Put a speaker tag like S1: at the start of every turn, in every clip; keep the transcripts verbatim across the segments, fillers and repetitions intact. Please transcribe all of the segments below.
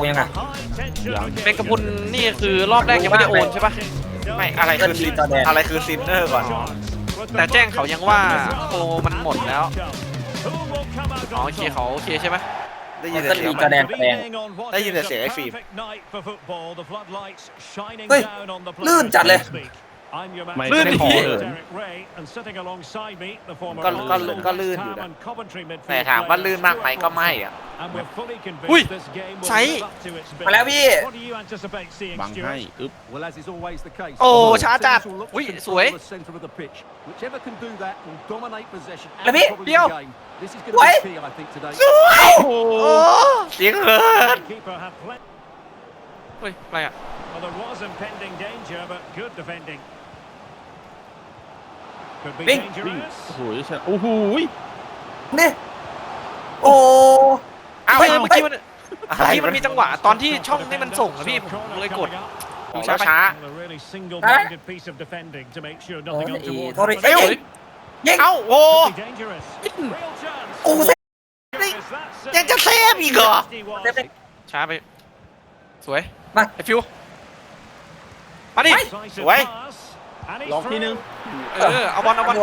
S1: ยังไง
S2: เป็นกระพุนนี่คือรอบแรกยังไม่ได้โอนใช่ปะ
S3: ไม่อะไรคือซินอะไรคือซินเนอร์ก่อน
S2: แต่แจ้งเขายังว่าโปรมันหมดแล้วอ๋อโอเคเขาโอเคใช่ไหม
S3: ได้ยินแต่เสียง
S1: จอแดนแดง
S3: ได้ยินแต่เสียงไอ้ฟิล์ม
S1: เฮ้ยลื่นจัดเลย
S2: ลื่น
S3: ไม่ขอ
S2: พี่
S3: เลยก็ก็ก็ลื่นอยู่นะแต่ถามว่าลื่นมากไหมก็ไม่อ่ะ
S2: อุ้ยใช้
S1: มาแล้วพี่
S4: บังให้อึ๊บ
S2: โอ้ช้าจัดอุ้ยสวย
S1: แล้วพี่
S2: เดี๋ยว
S1: สวย
S2: สวยโอ้โห
S3: เสียงเหิน
S2: เฮ้ยอะไรอ่ะ
S1: วิ่ง
S4: โอ้โหโอ้โห
S1: นี่โอ้
S3: อ้าว
S2: เฮ้ยเมื่อกี้มัน
S3: อะไร
S2: เมื่อกี้มันมีจังหวะตอนที่ช่องนี่มันส่งอะพี่ผมเลยกด
S3: ของช้าช้า
S1: โทษทีเอ้ยยิง
S3: เอ้าโอ้
S1: โอ้เซฟ
S3: ยังจะเซฟอีกเหรอ
S1: เซฟเลย
S2: ช้าไปสวย
S1: มา
S2: ไอฟิวมาดิ
S3: สวย
S4: ลองทีนึง
S2: เออเอาบอลเอาบอล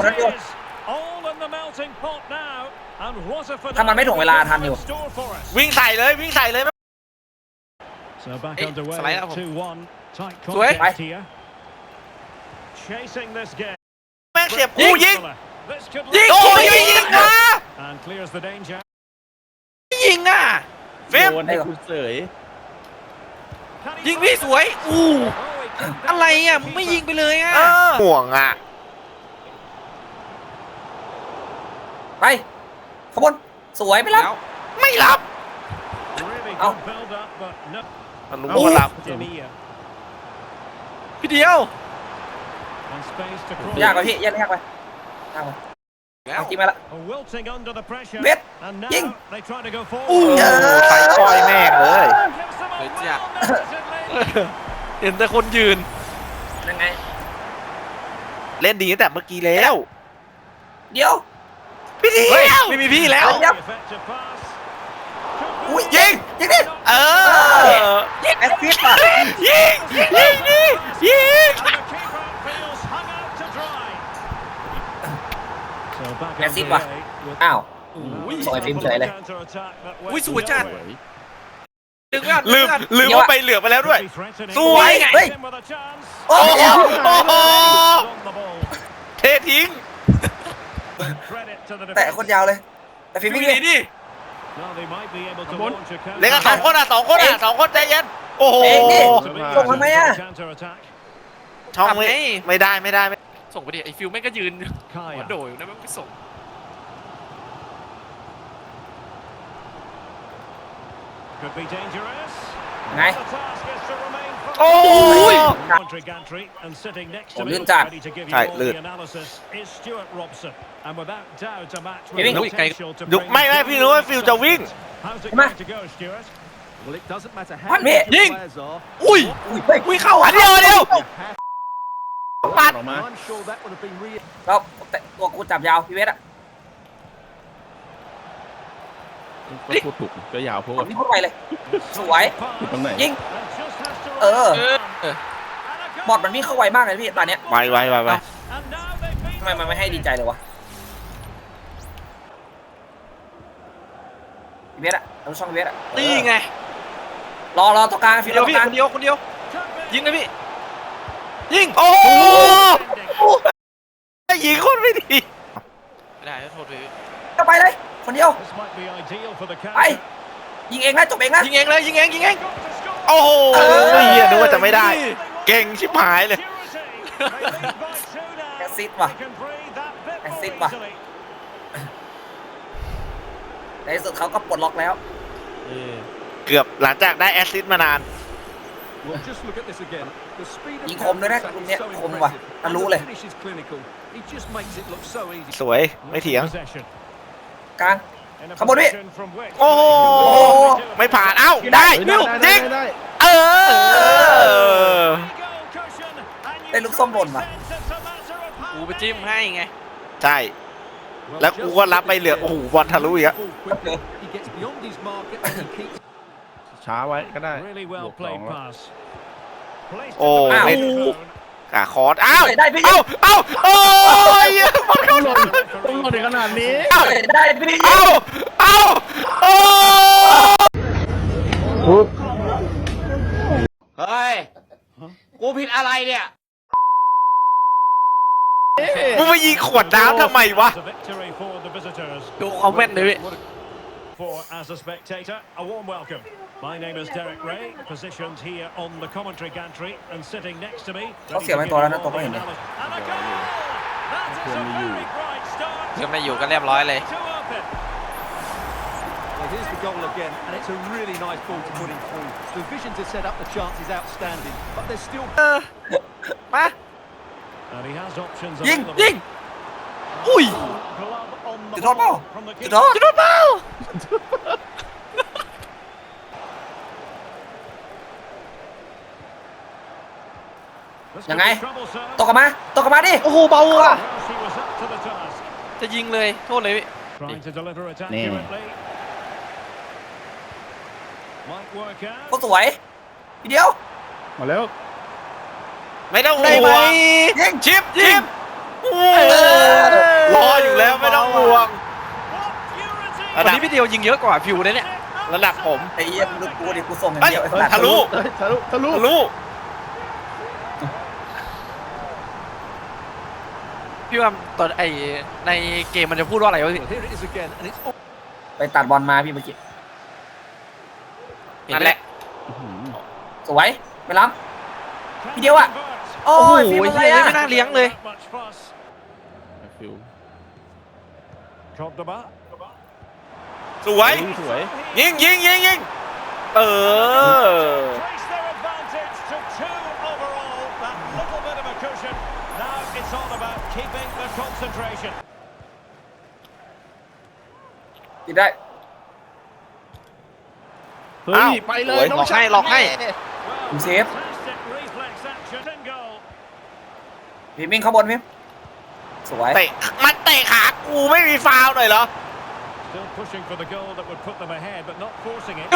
S1: ถ้ามันไม่ถ่วงเวลาทันอยู่
S3: วิ่งใส่เลยวิ่งใส่เลย
S2: สไลด์แล้วผมสวย
S1: ไป
S3: แม่งเสียบกูยิง
S2: ยิง
S3: โอ้ยยิงนะ
S2: ยิงอ่ะ
S3: ฟิล์ม
S4: โดนให้คุณเสย
S2: ยิงพี่สวยอู้อะไรอ่ะมึงไม่ยิงไปเลยอ่ะ
S3: เออห่วงอ่ะ
S1: ไปขบวนสวยไปแล้ว
S3: ไม่รับ
S1: เอา
S3: มันรู้ว่ารับ
S2: พี่เดียว
S1: ยากไปพี่ยากยากไปยากไป
S2: แล้ว
S1: เอาจริงมาละเวทยิง
S2: อู้
S1: เออ
S3: ใส่ก้อยแม่งเลย
S2: เลยจ้ะเห็นแต่คนยืน
S1: ยังไง
S3: เล่นดีตั้งแต่เมื่อกี้แล้ว
S1: เดี๋ยว
S3: พี่เดี
S2: เฮ้ย
S3: ยว
S2: ไม่มีพี่แล้ว
S1: เดี๋ยวอุ้ยยิงยิงดิ
S3: เออ
S1: ยิงแอสซิสต์ป่ะ
S3: ยิงยิงยิงยิงยิง
S1: แอสซิสต์ป่ะอ้าว
S2: อุ้ย
S1: ส่งไอ้ฟิล์มเฉยเลย
S2: อุ้ยสวยจัด
S4: สวย
S2: ดึงอ่ะ
S3: ลืมลืมว่าไปเหลือไปแล้วด้วย สวย
S1: เฮ้ย โอ้
S3: โอ้
S1: โห
S3: โหโอ้โหเททิ้ง
S1: แต่คนยาวเลยแต่ฟิล์ม
S2: ฟิว
S1: วิ่ง
S2: หนี
S1: ดิ
S2: ดิ
S3: เล่นกันสองคนอ่ะสองคนอ่ะสองคนใจเย็นโอ้โห
S1: เองดิส่งทำไมอ่ะ
S3: ช่องไม่ไม่ได้ไม่ได้ไม่
S2: ส่งไปดิไอฟิวแม่งก็ยืนหัวโดยอยู่นะแม่งไปส่ง
S1: ไง
S3: โอ้ย
S1: โอ้ลื่นจัด
S3: ใช่ลื่น
S1: พี่วิ่ง
S3: ยุกไม่ไม่พี่รู้ว่าฟิวจะวิ่ง
S1: มา
S4: มัน
S1: พี่
S2: ยิง อุ้ย
S1: อุ้ยเฮ้ย
S2: อุ้ยเข้า
S3: อันเดียวอันเดียว
S4: ปัดออกมา
S1: เราแต่ตัวกูจับยาวพี่เวทอะ
S4: ก็พูดถูกก็ยาวเพราะ
S1: ผ
S4: ว่าม
S1: นี่พูดไปเลย สวย
S4: ตรงไหน
S1: ยิง เออ
S2: เออเออบ
S1: อดมันวิ่งเข้าไวมากเลยพี่ตอนเนี้ย
S3: ไวไวไวไว
S1: ทำไมมันไม่ให้ดีใจเลยวะพี่เวทอะเราช่องพี่เวทอะ
S2: นี่ไง
S1: รอรอตรงกลางฟิ
S2: เดี
S1: ล
S2: ยว
S1: ตร
S2: พี่
S1: งกลาง
S2: คนเดียวคนเดียวยิงเลยพี่ยิง
S3: โอ้โหยิงคนไม่ดี
S2: ไม่ได้โทษเลย
S1: ก็ไปเลย คนเดียวไปยิงเองนะจบเองนะ
S2: ยิงเองเลยยิงเองยิงเอง
S3: โอ้โห
S1: เออ
S3: เฮียนึกว่าจะไม่ได้ เก่งชิบหายเลย
S1: แอสซิสต์ว่ะแอสซิสต์ว่ะในที่สุดเขาก็ปลดล็อกแล้ว
S4: เออ
S3: เกือบหลังจากได้แอสซิสต์มานาน
S1: ยิงคมด้วยนะคุณเนี้ยคมว่ะทะลุเลย
S3: สวยไม่เถียง
S1: กลางขบวนพี่
S3: โอ้โหไม่ผ่านเอ้าได้
S4: ได้
S3: ยิ
S4: ได้
S3: ง
S4: ได้
S3: เออ
S1: ได้ลูกส้มหล่นว่ะ
S2: กูไปจิ้มให้ไง
S3: ใช่แล้วกูก็รับไปเหลือโอ้โหบอลทะลุอีกอะ
S4: ช้าไว้ก็ได้
S5: Really
S4: บ
S5: well
S4: วกสอง
S5: played
S4: แล้ว
S5: pass. Placed
S3: โอ้
S5: to the
S3: ไม่
S5: back.
S3: กาคอร์สอ้าว
S1: ได้พี่
S3: เอ้าเอ้าโอ้ยมัน
S4: ต้องหล่นต้องหล่นถึงขนาดนี้
S1: ได้พี่
S3: เอ้าเอ้าโอ้
S6: เฮ้ย กูผิดอะไรเนี่ย
S3: มึงมายิงขวดน้ำทำไมวะ
S5: It's a victory for the visitors.
S2: ดูคอมเมนต์เลยพี่
S5: For as a spectator, a warm welcome. My name is Derek Ray, positioned here on the commentary gantry and sitting next to me.
S1: เขาเสียไปตัวแล้วนะตัวก็เห็นเลย
S5: And a goal! That is a very bright start.
S2: ยังไม่อยู่ก็เรียบร้อยเลย
S5: To open.
S7: Well, here's the goal again, and it's a really nice ball to put him through. The vision to set up the chance is outstanding, but there's still...
S2: มา
S5: And he has options
S2: ยิง
S5: available.
S2: ยิงอุ้ย
S5: Glove on the
S1: จุดโทษเปล่า
S5: ball from the
S1: จุด
S5: keeper.
S1: โทษ
S2: จุดโทษเปล่า
S5: This
S1: ยัง
S5: could
S1: ไง
S5: be troublesome.
S1: ตกกลับมาตกกลับมาดิ
S2: โอ้โหเบาอ่ะ
S5: Yes, he was up to the task.
S2: จะยิงเลยโทษเลยพี่
S5: Trying to deliver it
S4: Nee.
S5: accurately. Might work
S1: เขา
S5: out.
S1: สวยทีเดียว
S4: มาแล้ว
S3: ไม่ต้อง
S2: ได้
S3: ห่
S2: ไหม
S3: วง
S1: ยิง
S3: ชิปชิปรออยู่แล้วไม่ต้องห่วง
S5: What purity!
S3: ระ
S2: วัน
S3: ดับ
S2: นี้พี่เดียวยิงเยอะกว่าฟิวเลยเนี่ย
S3: ระดับผม
S1: ไอ้เหี้ยมึงกูดิกูส่งอย่าง
S3: เฮ้ย
S1: เดียวไอ้
S3: เฮ้ย
S1: สัตว์
S3: ทะลุ
S4: เฮ้ยทะลุทะลุ
S3: ทะลุ
S2: พี่ว่าตอนไอในเกมมันจะพูดว่าอะไรวะพี่
S7: Well, here it is again, and it's...
S1: ไปตัดบอลมาพี่เมื่อกี้
S2: เห็น
S3: นั่น
S2: ไหม
S3: แหละ
S1: สวยไปล้ำทีเดียวอ่ะ โอ้
S2: โอ้โห
S1: ยฟิล์มอะไร
S2: เหี้ย
S1: อ่ะ
S2: ไม่น่าเลี้ยงเลย
S5: Much fuss.
S4: ฟิว
S5: Cordoba.
S3: สวย
S4: เฮ้ยสวย
S3: ยิงยิงยิงยิงเออ
S5: Trace their advantage to two overall. That little bit of a cushion. Now it's all about keeping the concentration.
S1: ติดได้
S4: เฮ้ย ไปเลย
S3: โอ้ย
S4: น้อง
S2: หลอก
S4: ชา
S2: ให้
S4: ย
S2: หลอกให้
S1: ผมเซฟ
S5: Fantastic reflex action and goal.
S1: พี่มิ่งเข้าบนพี่สวย
S3: เตะมันเตะขากูไม่มีฟาวล์หน่อยเหรอ
S5: Still pushing for the goal that would put them ahead, but not forcing it.
S2: ดู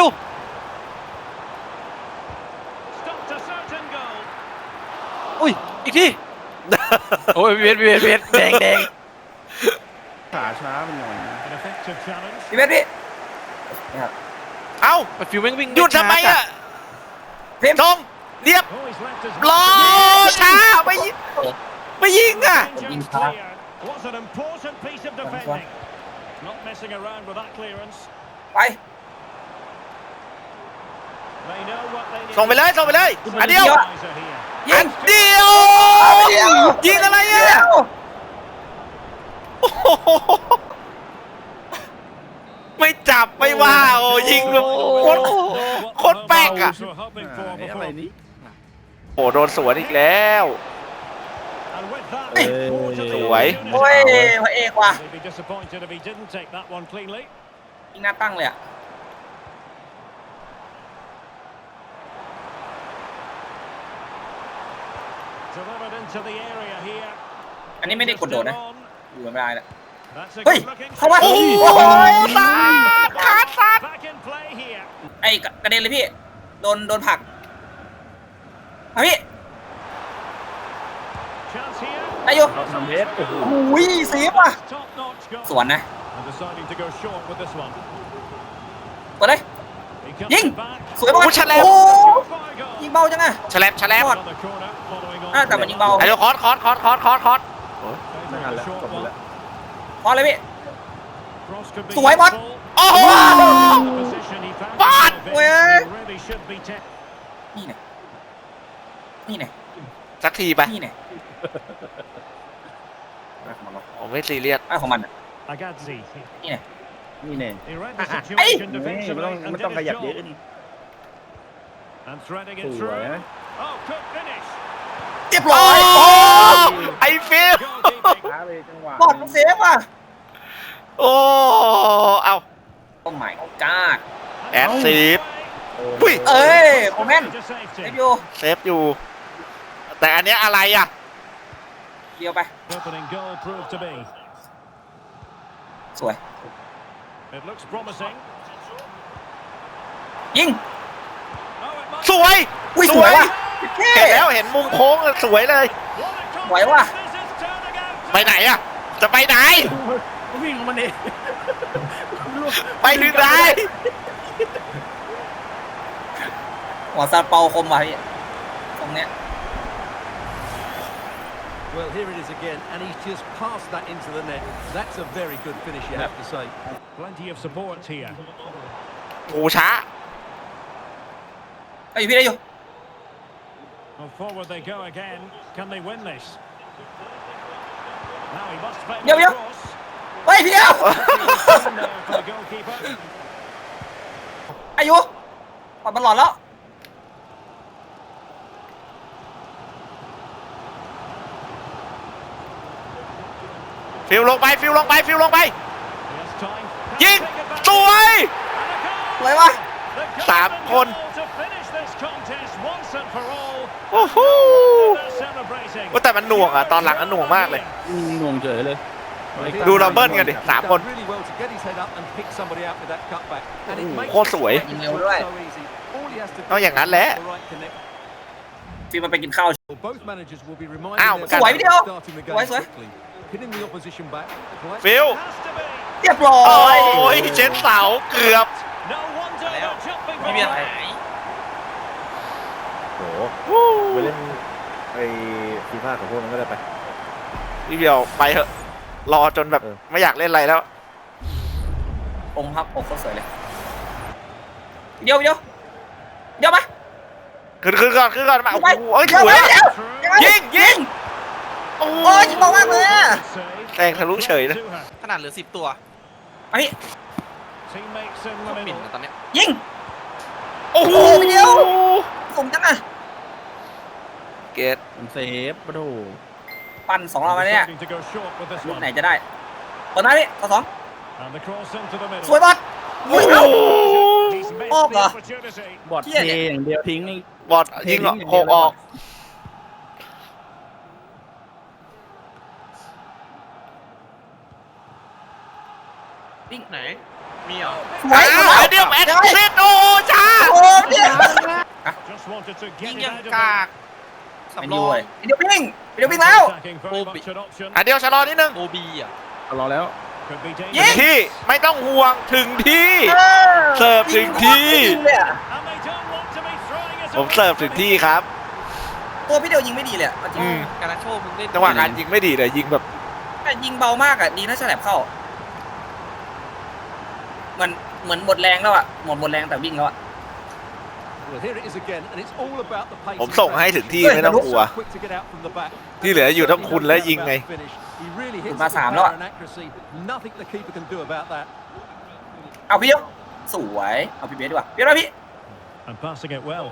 S5: Stopped a certain goal.
S2: อุ้ยอีกทีโอ้ยเวียนเวียนเวียนแดงแดง
S4: ขาช้ามันหน่อย
S5: An effective challenge.
S1: พี่เบสพี่นี่ครับ
S3: เอ้า
S2: ฟิวแม่งวิ่ง
S3: หยุดทำไมอ่ะ
S1: พิมพ์
S3: ทงเรียบ
S5: Oh, he's left his
S3: รอช้าไม่ยิงไม่ยิงอ่ะ
S5: Danger's clear. Was an important piece of defending. Not messing around with that clearance.
S1: ไป
S5: They know what they need.
S3: ส่งไปเลยส่งไปเลยอันเดียว
S5: Equaliser here.
S1: ยิ
S3: อั
S1: ง
S3: นเดียว
S1: เดียว
S3: ยิงอะไรอ่ะ
S1: เดียว
S3: โอ้โหไม่จับไม่ว่าโอ้ยิงแบบโคตร โคตรแป๊กอะ
S5: Were hoping for
S4: ไอ้อะไร
S5: before.
S4: นี่
S3: โอ้โดนสวนอีกแล้ว
S5: And with that,
S4: Hey.
S5: more to the
S3: สวย
S5: opportunity.
S1: โอ้ยพระเอกว่ะ
S5: They'd be disappointed if he didn't take that one cleanly.
S1: ยิงหน้าตั้งเลยอ่ะ
S5: Delivered into the area here.
S1: อันนี้ไม่ได้กดโดดนะ
S5: Still on.
S1: อยู่ไม่ได้แล้ว
S5: That's a
S1: เฮ้ย
S5: good looking
S1: เข้ามา
S3: โอ้
S1: โอ้
S3: โห
S1: ย
S3: สาดขาดสัตว์
S5: Back in play here.
S1: ไอ้กระเด็นเลยพี่ โดนโดนผลักเอาพี่
S5: Chance here.
S1: ได้อยู่
S4: เราทำเบสโอ้โห
S1: อุ้ยเซฟว่ะ
S5: Top notch goal.
S1: สวนนะ
S5: And deciding to go short with this one.
S1: กดเลย
S5: He cuts
S1: ยิง
S5: it back.
S1: สวยมาก
S3: โอ้ฉลับ
S1: โอ้
S5: Surefire goal.
S1: ยิงเบาจังอะ
S3: แฉลบแฉลบ
S5: Another corner following on.
S1: อ่ะแต่มันยิงเบา
S3: ไอ้เดี๋ยวคอร์สคอร์สคอร์สคอร์สคอร์สคอร์ส
S4: ไม่ทันแล้วจบหมดแล้ว
S1: พอเลยพี่
S5: Cross could be
S1: สวยบอล
S5: useful.
S3: โอ้โห
S5: The position he found
S3: Ball.
S5: himself in.
S1: Well.
S5: He really should be te-
S1: นี่ไงนี่ไง
S3: สักทีไป
S1: นี่ไงอะไรของมันวะ
S3: ผมไม่ซีเรียส
S1: อะไรของมันอะ
S5: Agazzi.
S1: นี่ไง
S4: นี่แน่
S5: He read the
S1: Ah, ah.
S5: situation
S4: นี่ไม่
S5: defensively
S4: ต้อง
S5: and
S4: ไม่
S5: did
S4: ต้องข
S5: his
S4: ยับเยอะ
S5: job.
S4: นี่
S5: And threading
S4: ส
S5: it
S4: วย
S5: through.
S4: นะ
S5: Oh, good finish.
S1: เรียบร้อย
S3: โอ้
S1: โอ้
S3: ไอ้ฟิล
S5: Goalkeeping.
S4: ช้าไปจังหวะ
S1: บอดมันเซฟว่ะ
S3: โอ้เอา
S1: โอ้ my god
S3: แอดซีฟ
S4: โอ้
S3: อุ้ย
S1: เอ้ยโอเมน
S5: To safety.
S1: เซฟอยู่
S3: เซฟอยู่ แต่อันเนี้ยอะไรอ่ะ
S1: เดียวไป
S5: Opening goal proved to be.
S1: สวย
S5: It looks promising.
S1: ยิง
S3: วย
S1: อุ้ย
S3: ส
S1: ส
S3: ว
S1: วย
S3: ย
S1: ว่ะ
S3: เห็นแล้วเห็นมุมโค้งสวยเลย
S1: สวยว่ะ
S3: ไปไหนอะจะไปไหน
S4: วิ่งมันเอง
S3: ไปถึงไหน
S1: หัวซาเปาคมว่ะพี่ตรงเนี้ย
S7: Well, here it is again, and he's just passed that into the net. That's a very good finish, you have to say.
S5: Plenty of support here.
S3: โอ้ช้า
S1: ไอ้ยพี่ได้อยู่
S5: Well, forward they go again. Can they win this? Now he must find
S1: Yo,
S5: the
S1: yo.
S5: cross.
S1: เฮ้ยพี่เดียว
S5: In there for the goalkeeper.
S1: อายุปอดมันหลอนแล้ว
S3: ฟิลลงไปฟิลลงไปฟิลลงไป
S5: Yes, time.
S3: ยิงสวย
S1: สวยว่ะ
S3: สามคน
S5: To finish this contest once and for all.
S3: โอ้โห
S5: They're celebrating.
S3: ว่าแต่มันหน่วงอะตอนหลังมันหน่วงมากเลย
S4: งงเฉยเลย
S3: ดูเราเบิ้ลกันดิสามคน
S7: Really well to get his head up and pick somebody out with that cutback. And it makes
S3: โคตรสวย
S7: it so easy. All he has to do
S3: เอาอย่างนั้นแหละ
S7: is the right connect.
S1: ฟิล์มมันไปกินข้าว
S7: Well, both managers will be reminded
S3: Ow,
S7: their
S3: sวย
S7: players
S1: พี่เดียว
S7: starting the
S1: สวย
S7: game
S1: สวย
S7: quickly, pinning the opposition back.
S3: ฟิล
S5: Has to be.
S1: เรียบร้อ
S3: โอ้
S1: ย
S3: ยเช็ดเสาเกือบ
S5: No wonder they're jumping
S2: ไม่มีอะไร
S5: forward.
S8: โหไปเล่นไอ้ฟีฟ่ากับพวกนั้นก็ได้ไป
S3: พี่เดียวไปเถอะรอจนแบบ
S8: เออ
S3: ไม่อยากเล่นอะไรแล้ว
S1: องค์พับอกเขาสวยเลยเดียวเดียวเดียวมา
S3: ขึ้นขึ้นก่อนขึ้นก่อนมาโอ้
S1: ไป
S3: โหเอ้ย
S1: เดียว
S3: ส
S1: ไป
S3: วย
S1: เดียว
S3: ยิงยิงโอ้
S1: โอ้ยยิงเบามากเลยอะ
S5: Save.
S3: แซงทะลุเฉยนะ
S5: To her.
S2: ขนาดเหลือสิบตัว
S1: ไอ้
S5: Teammates in
S2: โค
S5: the
S2: ตรหมิ่น
S5: middle.
S2: นะตอนเนี้ย
S1: ยิง
S3: โอ้โห
S1: โอ้โหเดียว สมจังอะ
S3: เกต
S4: มันเซฟปะโถ
S1: ปั่นสองรอบมาเนี่ย
S5: Deciding to go short with this
S1: ลูก
S5: one.
S1: ไหนจะได้ตอนนั้นนี่ต่อสอง
S5: And the cross into the middle.
S1: สวยบอล
S3: โอ้
S1: อุ้ย
S3: โห
S1: เอ้า
S5: He's missed
S1: Oh,
S5: the
S1: God.
S5: opportunity.
S4: บอดเทอย่างเดียวทิ้งนี่
S3: บอดยิงเหรอโคกออก
S2: วิ่งไหน มีเหรอ
S1: สวย
S3: อ้าวเดี๋ยวแอดเซตโอ้ช้า
S1: โอ้เดียว
S5: Just wanted to
S2: ยิง
S5: get it
S2: ยัง
S5: out of
S2: กาก
S1: ไอ้
S2: สำร
S1: ดิ
S2: อ
S1: ว
S2: ง
S1: เว้ยไอ้เดียววิ่งไอ้เดียววิ่งแล้ว
S5: Attacking very much an option.
S3: อ่ะเดี๋ยวชะลอนิดนึง
S2: โอบีอ่ะ
S4: รอแล้ว
S5: Could be
S1: ยิง
S5: dangerous.
S3: ที่ไม่ต้องห่วงถึงที่
S1: เออ
S3: เสิร์ฟถึงที่
S1: ยิงเลยอะ
S5: And they don't want to be throwing it
S3: ผม
S5: away
S3: เสิร์ฟถึง
S5: from
S3: ที่
S5: here.
S3: ครับ
S1: ตัวพี่เดียวยิงไม่ดีเลยอะเอาจริง
S3: อืม
S2: การาโชมึงเล่น
S3: จังหวะการยิงไม่ดีเลยยิงแบบ
S1: แต่ยิงเบามากอะดีนะฉลับเข้าเหมือนเหมือนหมดแรงแล้วอะหมดหมดแรงแต่วิ่งแล้วอะ
S7: Well, here it is again, and it's all about the pace.
S3: ผมส่งให้ถึงที่ไม่ต้องกลัว
S7: So quick to get out from the back.
S3: ที่เหลืออยู่ต้องคุณและยิงไง
S7: He really hits
S1: มา
S7: it
S1: สาม
S7: with
S1: แล้วอะ
S7: power and accuracy. Nothing the keeper can do about that.
S1: เอาพี่เดียวสวยเอาพี่เบสดีกว่าเบสมาพี่
S5: And passing it well.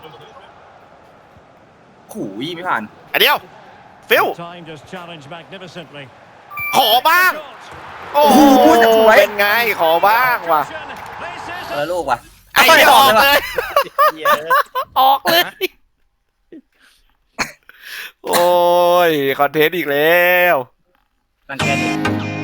S1: ขู่ยไม่ผ่าน
S3: อันเดียว ฟิล
S5: Time just challenged magnificently.
S3: ขอบ้าง โอ้โหเป็นไงขอบ้างว่ะ
S5: This
S1: เอ
S5: is
S1: อลูกว่ะ
S3: ไอ้เหี้ยออกเลย ออกเลย โอ้ย คอนเทนต์อีกแล้ว
S1: รังแกดิ